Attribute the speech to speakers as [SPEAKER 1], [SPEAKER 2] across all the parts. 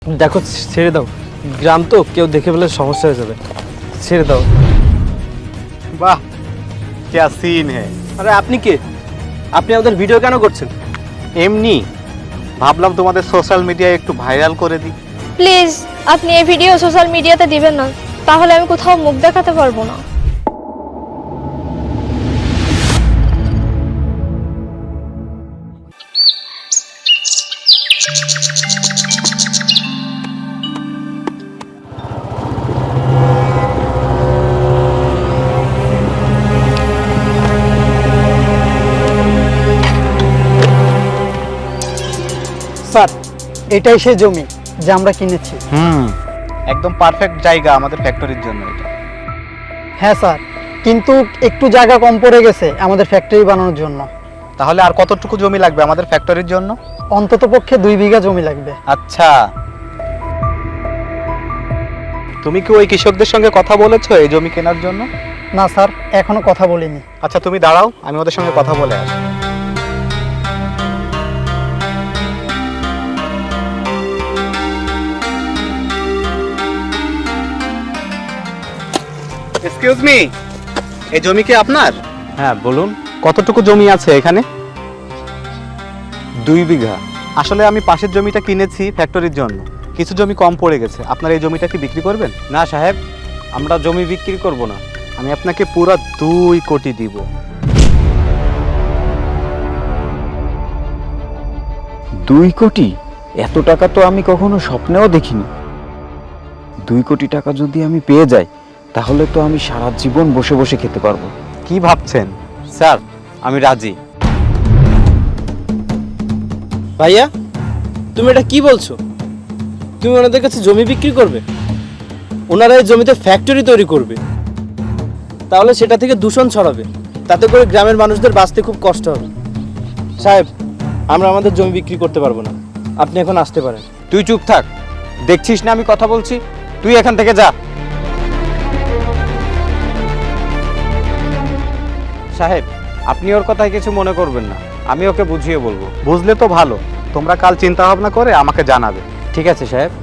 [SPEAKER 1] দেখো ছেড়ে দাও, গ্রাম তো কেউ দেখে ফেলে সমস্যা হয়ে যাবে, ছেড়ে দাও।
[SPEAKER 2] वाह क्या सीन है।
[SPEAKER 1] আরে আপনি কে? আপনি আমাদের ভিডিও কেন করছেন?
[SPEAKER 2] এমনি ভাবলাম তোমাদের সোশ্যাল মিডিয়ায় একটু ভাইরাল করে দিই।
[SPEAKER 3] প্লিজ আপনি এই ভিডিও সোশ্যাল মিডিয়াতে দিবেন না, তাহলে আমি কোথাও মুখ দেখাতে পারবো না।
[SPEAKER 4] স্যার, এটাই সেই জমি যা আমরা কিনেছি।
[SPEAKER 2] একদম পারফেক্ট জায়গা আমাদের ফ্যাক্টরির জন্য এটা।
[SPEAKER 4] হ্যাঁ স্যার, কিন্তু একটু জায়গা কম পড়ে গেছে আমাদের ফ্যাক্টরি বানানোর জন্য।
[SPEAKER 2] তাহলে আর কতটুকু জমি লাগবে আমাদের ফ্যাক্টরির জন্য?
[SPEAKER 4] অন্তত পক্ষে 2 বিঘা জমি লাগবে।
[SPEAKER 2] আচ্ছা, তুমি কি ওই কৃষকদের সঙ্গে কথা বলেছো এই জমি কেনার জন্য?
[SPEAKER 4] না স্যার, এখনো কথা বলিনি।
[SPEAKER 2] আচ্ছা তুমি দাঁড়াও, আমি ওদের সঙ্গে কথা বলে আসি। এক্সকিউজ মি, এই জমি কি আপনার?
[SPEAKER 1] হ্যাঁ বলুন।
[SPEAKER 2] কতটুকু জমি আছে এখানে?
[SPEAKER 1] 2 বিঘা।
[SPEAKER 2] আসলে আমি পাশের জমিটা কিনেছি ফ্যাক্টরির জন্য, কিছু জমি কম পড়ে গেছে। আপনার এই জমিটা কি বিক্রি করবেন?
[SPEAKER 1] না সাহেব, আমরা জমি বিক্রি করব না।
[SPEAKER 2] আমি আপনাকে পুরো 2 কোটি দিব।
[SPEAKER 5] 2 কোটি? এত টাকা তো আমি কখনো স্বপ্নেও দেখিনি। 2 কোটি টাকা যদি আমি পেয়ে যাই, তাহলে তো আমি সারা জীবন বসে বসে খেতে পারবো।
[SPEAKER 2] কি ভাবছেন?
[SPEAKER 1] স্যার আমি রাজি। ভাইয়া তুমি এটা কি বলছো? তুমি ওনাদের কাছে জমি বিক্রি করবে? ওনারা এই জমিতে ফ্যাক্টরি তৈরি করবে, তাহলে সেটা থেকে দূষণ ছড়াবে, তাতে করে গ্রামের মানুষদের বাঁচতে খুব কষ্ট হবে। সাহেব, আমরা আমাদের জমি বিক্রি করতে পারবো না, আপনি এখন আসতে পারেন।
[SPEAKER 5] তুই চুপ থাক, দেখছিস না আমি কথা বলছি? তুই এখান থেকে যা। সাহেব, আপনি ওর কথায় কিছু মনে করবেন না, আমি ওকে বুঝিয়ে বলবো।
[SPEAKER 2] বুঝলে তো ভালো, তোমরা কাল চিন্তা ভাবনা করে আমাকে জানাবে।
[SPEAKER 5] ঠিক আছে সাহেব।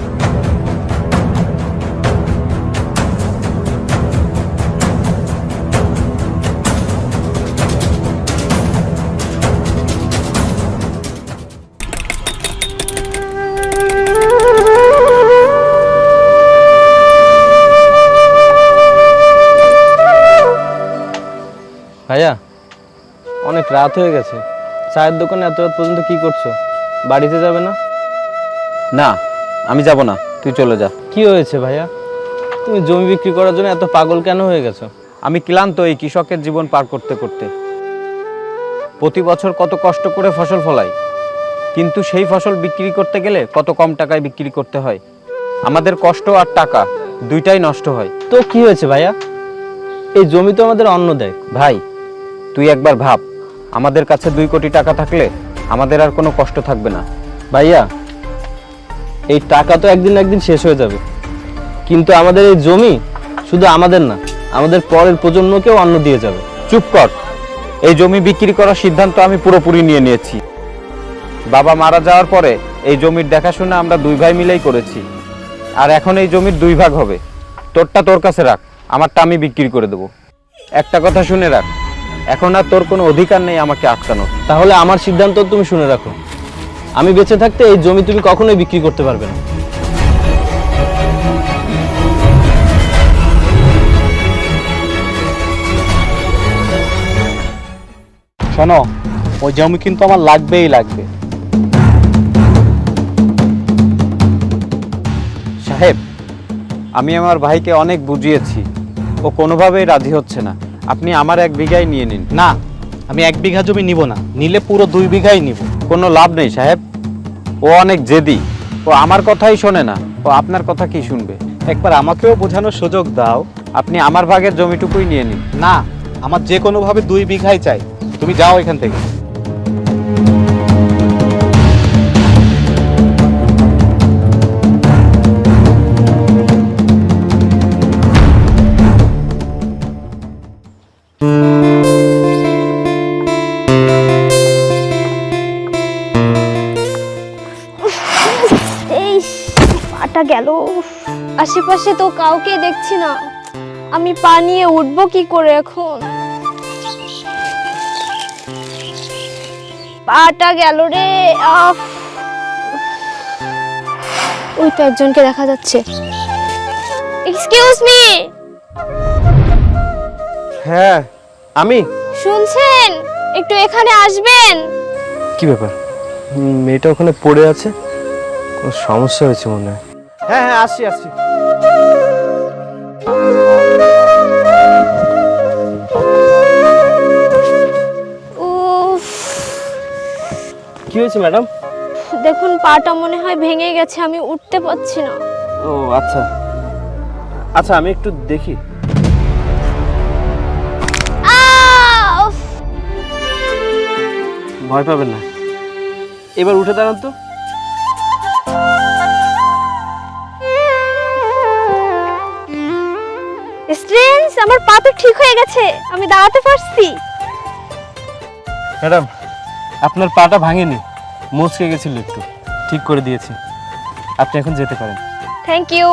[SPEAKER 1] ভাইয়া অনেক রাত হয়ে গেছে, চায়ের দোকানে এত রাত পর্যন্ত কি করছো? বাড়িতে যাবে না?
[SPEAKER 5] না, আমি যাব না, তুই চলে যা।
[SPEAKER 1] কি হয়েছে ভাইয়া? তুমি জমি বিক্রি করার জন্য এত পাগল কেন হয়ে গেছো?
[SPEAKER 5] আমি ক্লান্ত এই কৃষকের জীবন পার করতে করতে। প্রতি বছর কত কষ্ট করে ফসল ফলাই, কিন্তু সেই ফসল বিক্রি করতে গেলে কত কম টাকায় বিক্রি করতে হয়। আমাদের কষ্ট আর টাকা দুইটাই নষ্ট হয়।
[SPEAKER 1] তো কি হয়েছে ভাইয়া? এই জমি তো আমাদের অন্ন দেয়।
[SPEAKER 5] ভাই, তুই একবার ভাব, আমাদের কাছে 2 কোটি টাকা থাকলে আমাদের আর কোনো কষ্ট থাকবে না।
[SPEAKER 1] ভাইয়া এই টাকা তো একদিন না একদিন শেষ হয়ে যাবে, কিন্তু আমাদের এই জমি শুধু আমাদের না, আমাদের পরের প্রজন্মকেও অন্ন দিয়ে যাবে।
[SPEAKER 5] চুপ কর, এই জমি বিক্রি করার সিদ্ধান্ত আমি পুরোপুরি নিয়ে নিয়েছি। বাবা মারা যাওয়ার পরে এই জমির দেখাশোনা আমরা 2 ভাই মিলেই করেছি, আর এখন এই জমির 2 ভাগ হবে। তোরটা তোর কাছে রাখ, আমারটা আমি বিক্রি করে দেবো। একটা কথা শুনে রাখ, এখন আর তোর কোনো অধিকার নেই আমাকে আটকানোর।
[SPEAKER 1] তাহলে আমার সিদ্ধান্ত তুমি শুনে রাখো, আমি বেঁচে থাকতে এই জমি তুমি কখনোই বিক্রি করতে পারবে না।
[SPEAKER 2] শোনো, ওই জমি কিন্তু আমার লাগবেই লাগবে।
[SPEAKER 5] সাহেব, আমি আমার ভাইকে অনেক বুঝিয়েছি, ও কোনোভাবেই রাজি হচ্ছে না। আপনি আমার 1 বিঘাই নিয়ে নিন।
[SPEAKER 2] না, আমি 1 বিঘা জমি নিব না, নিলে পুরো 2 বিঘাই নিব।
[SPEAKER 5] কোনো লাভ নেই সাহেব, ও অনেক জেদি, ও আমার কথাই শোনে না, ও আপনার কথা কি শুনবে?
[SPEAKER 2] একবার আমাকেও বোঝানোর সুযোগ দাও।
[SPEAKER 5] আপনি আমার ভাগের জমিটুকুই নিয়ে নিন।
[SPEAKER 2] না, আমার যে কোনোভাবে 2 বিঘাই চাই। তুমি যাও এখান থেকে।
[SPEAKER 3] এই পাটা গেল। আশেপাশে তো কাউকে দেখছি না, আমি পা নিয়ে উঠবো কি করে এখন? পাটা গেল রে। ওই তো একজনকে দেখা যাচ্ছে। এক্সকিউজ মি,
[SPEAKER 1] হ্যাঁ আমি।
[SPEAKER 3] শুনছেন? একটু এখানে আসবেন।
[SPEAKER 1] কি ব্যাপার? মেয়েটা ওখানে পড়ে আছে, কোনো সমস্যা হয়েছে মনে হয়। হ্যাঁ হ্যাঁ, আসছি আসছি।
[SPEAKER 3] উফ,
[SPEAKER 1] কি হয়েছে ম্যাডাম?
[SPEAKER 3] দেখুন পাটা মনে হয় ভেঙে গেছে, আমি উঠতে পারছি না।
[SPEAKER 1] ও আচ্ছা আচ্ছা, আমি একটু দেখি।
[SPEAKER 3] উফ,
[SPEAKER 1] ভয় পাবেন না, এবার উঠে দাঁড়ান তো।
[SPEAKER 3] স্ট্রেঞ্জ, আমার পা তো ঠিক হয়ে গেছে, আমি দাঁড়াতে পারছি।
[SPEAKER 1] ম্যাডাম, আপনার পাটা ভাঙেনি, মচকে গেছিল একটু, ঠিক করে দিয়েছি। আপনি এখন যেতে পারেন।
[SPEAKER 3] Thank you.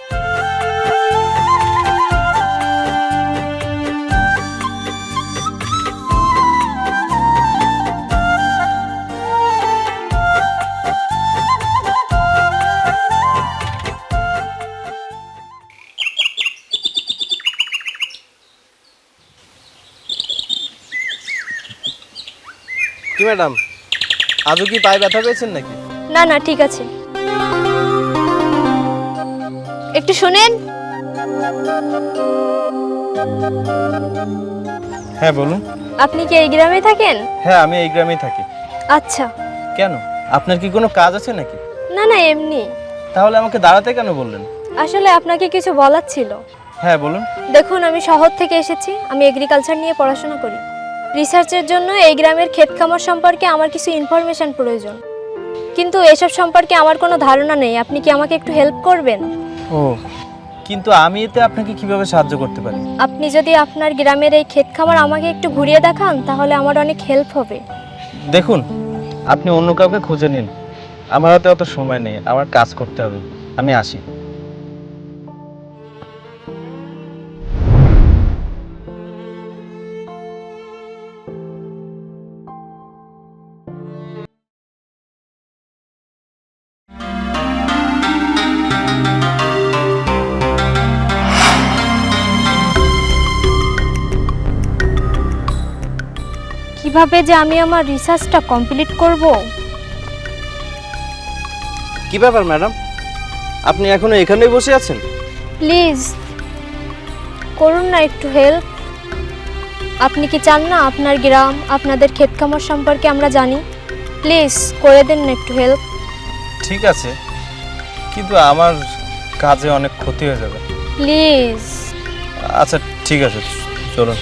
[SPEAKER 1] কি ম্যাডাম, আজও কি পায়ে ব্যথা পেয়েছেন নাকি?
[SPEAKER 3] না না, ঠিক আছে। একটু শুনেন।
[SPEAKER 1] হ্যাঁ বলুন।
[SPEAKER 3] আপনি কি এই গ্রামে থাকেন?
[SPEAKER 1] হ্যাঁ, আমি এই গ্রামেই থাকি।
[SPEAKER 3] আচ্ছা।
[SPEAKER 1] কেন, আপনার কি কোনো কাজ আছে নাকি?
[SPEAKER 3] না না, এমনি।
[SPEAKER 1] তাহলে আমাকে দাঁড়াতে কেন বললেন?
[SPEAKER 3] আসলে আপনাকে কিছু বলার ছিল।
[SPEAKER 1] হ্যাঁ বলুন।
[SPEAKER 3] দেখুন, আমি শহর থেকে এসেছি, আমি এগ্রিকালচার নিয়ে পড়াশোনা করি। রিসার্চের জন্য এই গ্রামের ক্ষেত খামার সম্পর্কে আমার কিছু ইনফরমেশন প্রয়োজন, কিন্তু এসব সম্পর্কে আমার কোনো ধারণা নেই। আপনি কি আমাকে একটু হেল্প করবেন?
[SPEAKER 1] ও, কিন্তু আমি এতে আপনাকে কিভাবে সাহায্য করতে পারি?
[SPEAKER 3] আপনি যদি আপনার গ্রামের এই ক্ষেত খামার আমাকে একটু ঘুরিয়ে দেখান তাহলে আমার অনেক হেল্প হবে।
[SPEAKER 1] দেখুন, আপনি অন্য কাউকে খুঁজে নিন, আমার হাতে অত সময় নেই, আমার কাজ করতে হবে। আমি আসি।
[SPEAKER 3] কিভাবে যে আমি আমার রিসার্চটা কমপ্লিট করব?
[SPEAKER 1] কি ব্যাপার ম্যাডাম, আপনি এখনো এখানেই বসে আছেন?
[SPEAKER 3] প্লিজ করুন না একটু হেল্প। আপনি কি চান না আপনার গ্রাম, আপনাদের ক্ষেত খামার সম্পর্কে আমরা জানি? প্লিজ করে দেন না একটু হেল্প।
[SPEAKER 1] ঠিক আছে, কিন্তু আমার কাজে অনেক ক্ষতি হয়ে যাবে।
[SPEAKER 3] প্লিজ।
[SPEAKER 1] আচ্ছা ঠিক আছে, চলুন।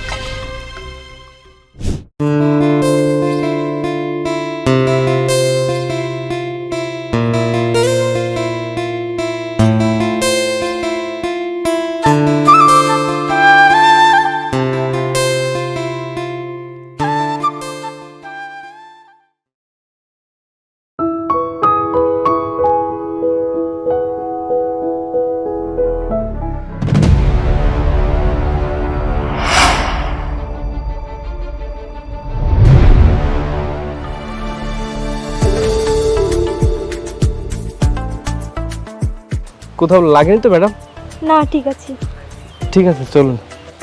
[SPEAKER 1] কোথাও লাগেনি তো ম্যাডাম?
[SPEAKER 3] না, ঠিক আছে।
[SPEAKER 1] ঠিক আছে, চলুন।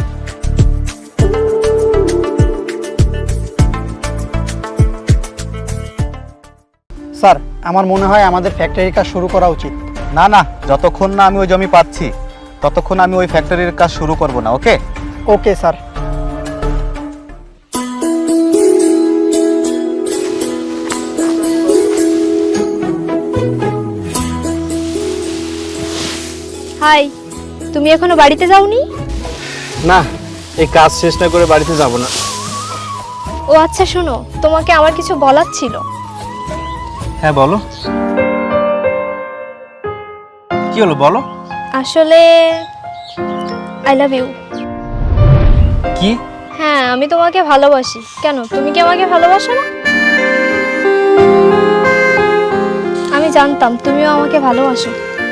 [SPEAKER 4] স্যার, আমার মনে হয় আমাদের ফ্যাক্টরির কাজ শুরু করা উচিত।
[SPEAKER 2] না না, যতক্ষণ না আমি ওই জমি পাচ্ছি ততক্ষণ আমি ওই ফ্যাক্টরির কাজ শুরু করব না। ওকে?
[SPEAKER 4] Okay sir.
[SPEAKER 3] হাই, তুমি এখনো বাড়িতে যাওনি?
[SPEAKER 1] না, এই কাজ শেষ না করে বাড়িতে যাব না।
[SPEAKER 3] ও আচ্ছা, শোনো, তোমাকে আমার কিছু বলার ছিল।
[SPEAKER 1] হ্যাঁ বলো। কি হলো বলো।
[SPEAKER 3] আসলে আই লাভ ইউ।
[SPEAKER 1] কি?
[SPEAKER 3] হ্যাঁ, আমি তোমাকে ভালোবাসি। কেন, তুমি কি আমাকে ভালোবাসো না? আমি জানতাম তুমিও আমাকে ভালোবাসো।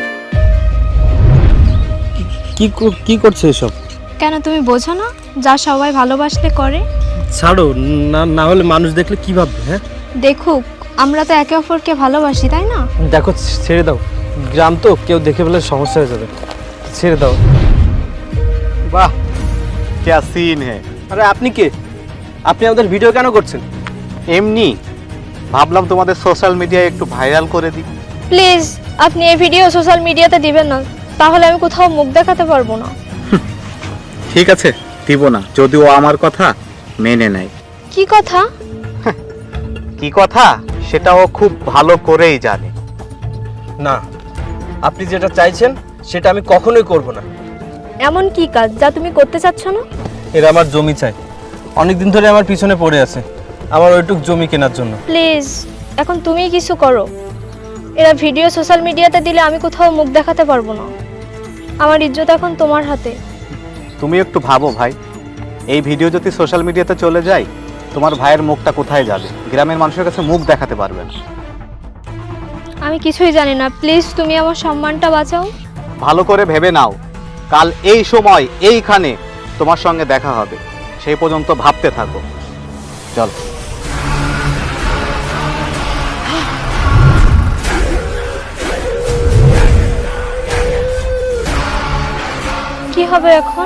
[SPEAKER 1] কি করছে এসব?
[SPEAKER 3] কেন তুমি বোঝো না যা সবাই ভালোবাসলে করে?
[SPEAKER 1] ছাড়ো, না হলে মানুষ দেখলে কি ভাববে? হ্যাঁ
[SPEAKER 3] দেখুক, আমরা তো একে অপরকে ভালোবাসি, তাই না?
[SPEAKER 1] দেখো, ছেড়ে দাও, গ্রাম তো, কেউ দেখে ফেলে সমস্যা হয়ে যাবে, ছেড়ে দাও।
[SPEAKER 2] বাহ, क्या सीन है।
[SPEAKER 1] আরে আপনি কে? আপনি আমাদের ভিডিও কেন করছেন?
[SPEAKER 2] এমনি ভাবলাম তোমাদের সোশ্যাল মিডিয়ায় একটু ভাইরাল করে দিই।
[SPEAKER 3] প্লিজ আপনি এই ভিডিও সোশ্যাল মিডিয়াতে দিবেন না, তাহলে আমি কোথাও মুখ দেখাতে পারবো না।
[SPEAKER 2] ঠিক আছে, দিব না, যদিও আমার কথা মেনে নেয়।
[SPEAKER 3] কি কথা?
[SPEAKER 2] কি কথা সেটাও খুব ভালো করেই জানে।
[SPEAKER 1] না, আপনি যেটা চাইছেন সেটা আমি কখনোই করব না।
[SPEAKER 3] এমন কি কাজ যা তুমি করতে চাচ্ছ না?
[SPEAKER 1] এরা আমার জমি চাই, অনেকদিন ধরে আমার পিছনে পড়ে আছে আমার ওইটুক জমি কেনার জন্য।
[SPEAKER 3] প্লিজ এখন তুমিই কিছু করো। এরা ভিডিও সোশ্যাল মিডিয়াতে দিলে আমি কোথাও মুখ দেখাতে পারবো না। আমার ইজ্জত এখন তোমার হাতে।
[SPEAKER 2] তুমি একটু ভাবো ভাই, এই ভিডিও যদি সোশ্যাল মিডিয়াতে চলে যায়, তোমার ভাইয়ের মুখটা কোথায় যাবে? গ্রামের মানুষের কাছে মুখ দেখাতে পারবে না।
[SPEAKER 3] আমি কিছুই জানি না, প্লিজ তুমি আমার সম্মানটা বাঁচাও।
[SPEAKER 2] ভালো করে ভেবে নাও, কাল এই সময় এইখানে তোমার সঙ্গে দেখা হবে, সেই পর্যন্ত ভাবতে থাকো। চল।
[SPEAKER 3] কি হবে এখন?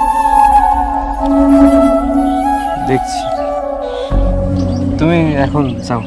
[SPEAKER 1] দেখছি, তুমি এখন যাও।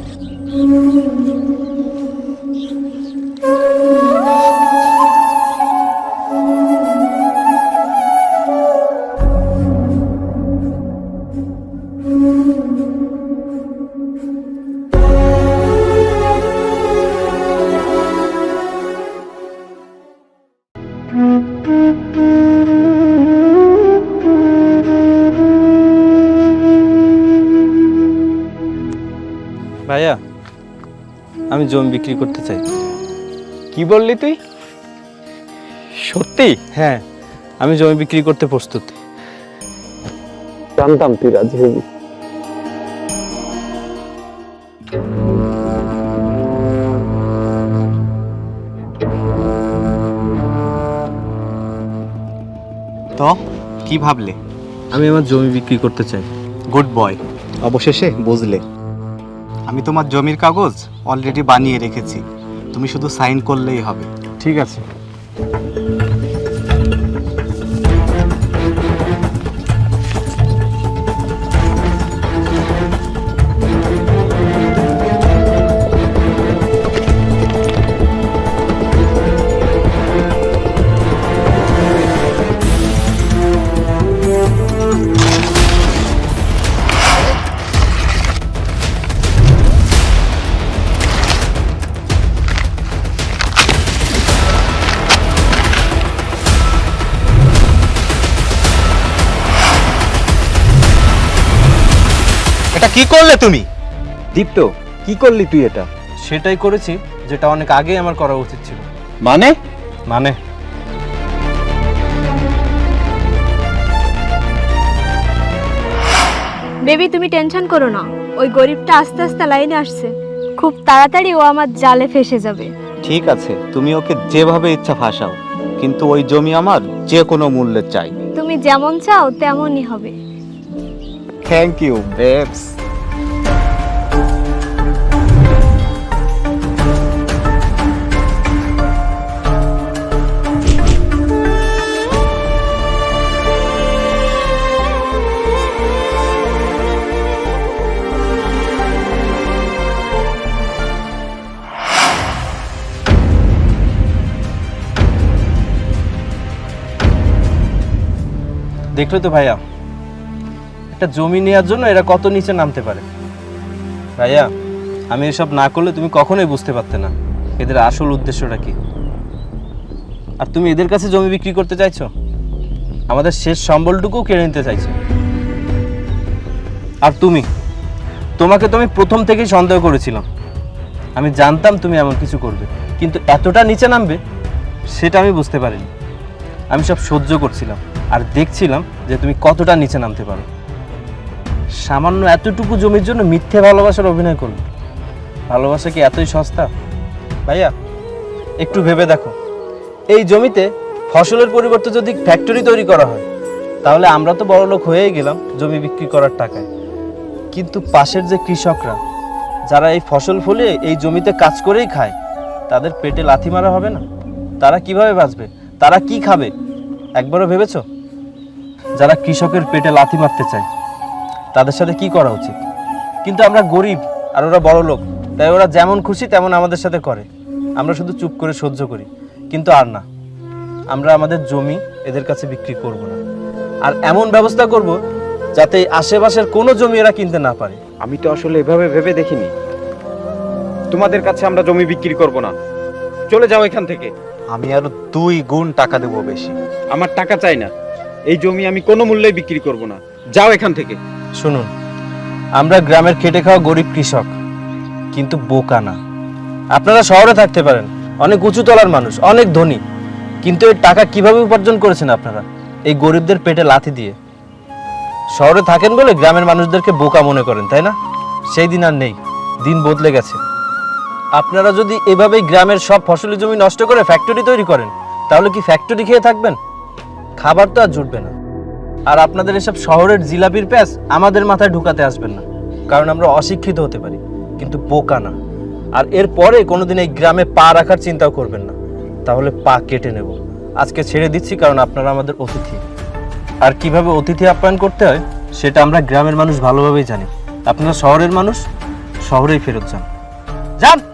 [SPEAKER 1] ভাইয়া, আমি জমি বিক্রি করতে চাই।
[SPEAKER 5] কি বললি তুই? সত্যি?
[SPEAKER 1] হ্যাঁ, আমি জমি বিক্রি করতে প্রস্তুত।
[SPEAKER 5] জানতাম তুই রাজি হবি।
[SPEAKER 2] তো কি ভাবলে?
[SPEAKER 1] আমি আমার জমি বিক্রি করতে চাই।
[SPEAKER 2] গুড বয়, অবশেষে বুঝলে। আমি তোমার জমির কাগজ অলরেডি বানিয়ে রেখেছি, তুমি শুধু সাইন করলেই হবে।
[SPEAKER 1] ঠিক আছে।
[SPEAKER 2] এটা কি করলে তুমি?
[SPEAKER 5] দীপ্ত, কি করলি তুই এটা?
[SPEAKER 1] সেটাই করেছি যেটা অনেক আগেই আমার করা উচিত ছিল।
[SPEAKER 5] মানে?
[SPEAKER 3] বেবি তুমি টেনশন করো না, ওই গরিবটা আস্তে আস্তে লাইনে আসছে, খুব তাড়াতাড়ি ও আমার জালে ফেসে যাবে।
[SPEAKER 2] ঠিক আছে, তুমি ওকে যেভাবে ইচ্ছা ফাঁসাও, কিন্তু ওই জমি আমার যে কোনো মূল্যে চাই।
[SPEAKER 3] তুমি যেমন চাও তেমনই হবে।
[SPEAKER 2] Thank you babes.
[SPEAKER 1] দেখলে তো ভাইয়া, একটা জমি নেওয়ার জন্য এরা কত নিচে নামতে পারে। ভাইয়া, আমি এসব না করলে তুমি কখনোই বুঝতে পারতে না এদের আসল উদ্দেশ্যটা কি। আর তুমি এদের কাছে জমি বিক্রি করতে চাইছো, আমাদের শেষ সম্বলটুকুও কেড়ে নিতে চাইছো। আর তোমাকে তো আমি প্রথম থেকেই সন্দেহ করেছিলাম। আমি জানতাম তুমি এমন কিছু করবে, কিন্তু এতটা নিচে নামবে সেটা আমি বুঝতে পারিনি। আমি সব সহ্য করছিলাম আর দেখছিলাম যে তুমি কতটা নিচে নামতে পারো। সামান্য এতটুকু জমির জন্য মিথ্যে ভালোবাসার অভিনয় করবে। ভালোবাসা কি এতই সস্তা? ভাইয়া, একটু ভেবে দেখো, এই জমিতে ফসলের পরিবর্তে যদি ফ্যাক্টরি তৈরি করা হয় তাহলে আমরা তো বড়লোক হয়েই গেলাম জমি বিক্রি করার টাকায়। কিন্তু পাশের যে কৃষকরা যারা এই ফসল ফলিয়ে এই জমিতে কাজ করেই খায়, তাদের পেটে লাথি মারা হবে না? তারা কিভাবে বাঁচবে? তারা কি খাবে? একবারও ভেবেছো? যারা কৃষকের পেটে লাথি মারতে চায় তাদের সাথে কি করা উচিত? কিন্তু আমরা গরিব আর ওরা বড় লোক, তাই ওরা যেমন খুশি তেমন আমাদের সাথে করে, আমরা শুধু চুপ করে সহ্য করি। কিন্তু আর না, আমরা আমাদের জমি এদের কাছে বিক্রি করব না, আর এমন ব্যবস্থা করব যাতে এই আশেপাশের কোনো জমি এরা কিনতে না পারে।
[SPEAKER 5] আমি তো আসলে এভাবে ভেবে দেখিনি। তোমাদের কাছে আমরা জমি বিক্রি করব না, চলে যাও এখান থেকে।
[SPEAKER 2] আমি আরো 2 গুণ টাকা দেবো বেশি।
[SPEAKER 5] আমার টাকা চাই না, এই জমি আমি কোনো মূল্যে বিক্রি করব না, যাও এখান থেকে।
[SPEAKER 1] শুনুন, আমরা গ্রামের খেটে খাওয়া গরিব কৃষক, কিন্তু বোকা না। আপনারা শহরে থাকতে পারেন, অনেক উঁচু তলার মানুষ, অনেক ধনী, কিন্তু এই টাকা কিভাবে উপার্জন করেছেন আপনারা? এই গরিবদের পেটে লাথি দিয়ে। শহরে থাকেন বলে গ্রামের মানুষদেরকে বোকা মনে করেন, তাই না? সেই দিন আর নেই, দিন বদলে গেছে। আপনারা যদি এভাবেই গ্রামের সব ফসলি জমি নষ্ট করে ফ্যাক্টরি তৈরি করেন, তাহলে কি ফ্যাক্টরি খেয়ে থাকবেন? খাবার তো আর জুটবে না। আর আপনাদের এসব শহরের জিলাপির প্যাঁচ আমাদের মাথায় ঢুকাতে আসবেন না, কারণ আমরা অশিক্ষিত হতে পারি কিন্তু বোকা না। আর এরপরে কোনোদিন এই গ্রামে পা রাখার চিন্তাও করবেন না, তাহলে পা কেটে নেব। আজকে ছেড়ে দিচ্ছি, কারণ আপনারা আমাদের অতিথি। আর কিভাবে অতিথি আপ্যায়ন করতে হয় সেটা আমরা গ্রামের মানুষ ভালোভাবেই জানি। আপনারা শহরের মানুষ, শহরেই ফেরত যান। যান।